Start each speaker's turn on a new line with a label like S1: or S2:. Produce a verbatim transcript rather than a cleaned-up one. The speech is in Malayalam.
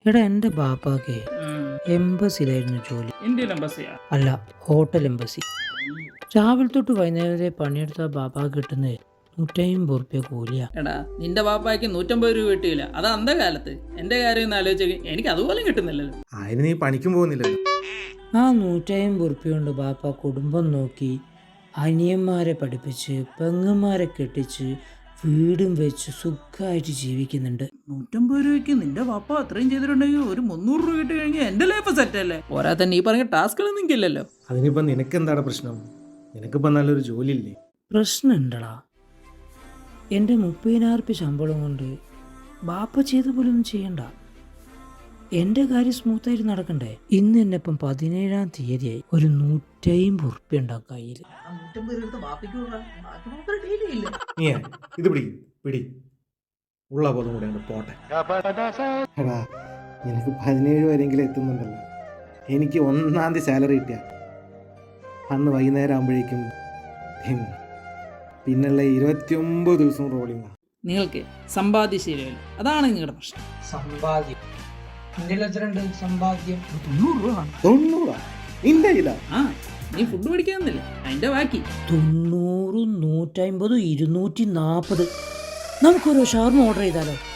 S1: എടാ എൻ്റെ ബാപ്പാക്ക് എംബസിലായിരുന്നു ജോലി.
S2: ഇന്ത്യൻ എംബസിയാ?
S1: അല്ല, ഹോട്ടൽ എംബസി. രാവിലെ തൊട്ട് വൈകുന്നേരം വരെ പണിയെടുത്ത ബാപ്പാക്ക് കിട്ടുന്നത് നൂറ്റമ്പത് റുപ്യ കൂലിയാ.
S2: എടാ നിന്റെ പാപ്പായ്ക്ക് നൂറ്റമ്പത് രൂപ കിട്ടിയില്ല, അത് അന്ത കാലത്ത്. എന്റെ കാര്യം ഒന്ന് ആലോചിച്ച് എനിക്ക് അതുപോലെ കിട്ടുന്നില്ലല്ലോ.
S3: അതിന് നീ പണിക്കും പോകുന്നില്ലല്ലോ.
S1: ആ നൂറ്റമ്പത് റുപ്യ കൊണ്ട് ബാപ്പ കുടുംബം നോക്കി, അനിയന്മാരെ പഠിപ്പിച്ച്, പെങ്ങന്മാരെ കെട്ടിച്ച്, വീടും വെച്ച് സുഖമായിട്ട് ജീവിക്കുന്നുണ്ട്.
S2: നൂറ്റമ്പത് രൂപയ്ക്ക് നിന്റെ പാപ്പ അത്രയും ചെയ്തിട്ടുണ്ടെങ്കിൽ ഒരു മുന്നൂറ് രൂപ കിട്ടി കഴിഞ്ഞാൽ എന്റെ ലൈഫ് സെറ്റ് അല്ലേ? പോരാ തന്നെ ഈ പറഞ്ഞ ടാസ്കുകൾ നിൽക്കില്ലല്ലോ.
S3: അതിനിപ്പം നിനക്ക് എന്താണ് പ്രശ്നം? നിനക്കിപ്പം നല്ലൊരു ജോലി ഇല്ലേ?
S1: പ്രശ്നമുണ്ടടാ. എൻ്റെ മുപ്പതിനായിരം റുപ്യ ശമ്പളം കൊണ്ട് ബാപ്പ ചെയ്ത പോലൊന്നും ചെയ്യണ്ട. എൻ്റെ കാര്യം സ്മൂത്തായിട്ട് നടക്കണ്ടേ? ഇന്ന് എന്നെ ഇപ്പം പതിനേഴാം തീയതിയായി. ഒരു നൂറ്റമ്പത് റുപ്യ ഉണ്ടാവും കയ്യിൽ.
S3: നീ ഇത് പിടി പിടി ഉള്ള ബോധം കൂടെ അങ്ങട് പോട്ടെ. എടാ നിനക്ക് പതിനേഴ് വരെങ്കിലും എത്തുന്നുണ്ടല്ലോ. എനിക്ക് ഒന്നാം തീയതി സാലറി കിട്ടിയ അന്ന് വൈകുന്നേരം ആകുമ്പോഴേക്കും പിന്നുള്ള ഇരുപത്തിയൊമ്പത് ദിവസം റോളിംഗ്.
S2: നിങ്ങൾക്ക് സമ്പാദ്യശീലമില്ല, അതാണ് നിങ്ങളുടെ പ്രശ്നം.
S1: സമ്പാദ്യം സമ്പാദ്യം
S2: തൊണ്ണൂറ് രൂപ
S3: തൊണ്ണൂറാ നിന്റെ ഇതാ?
S2: ആ നീ ഫുഡ് മേടിക്കാന്നില്ലേ, അതിന്റെ ബാക്കി.
S1: തൊണ്ണൂറും നൂറ്റമ്പതും ഇരുന്നൂറ്റി നാൽപ്പത്. നമുക്കൊരു ഷവർമ ഓർഡർ ചെയ്താലോ?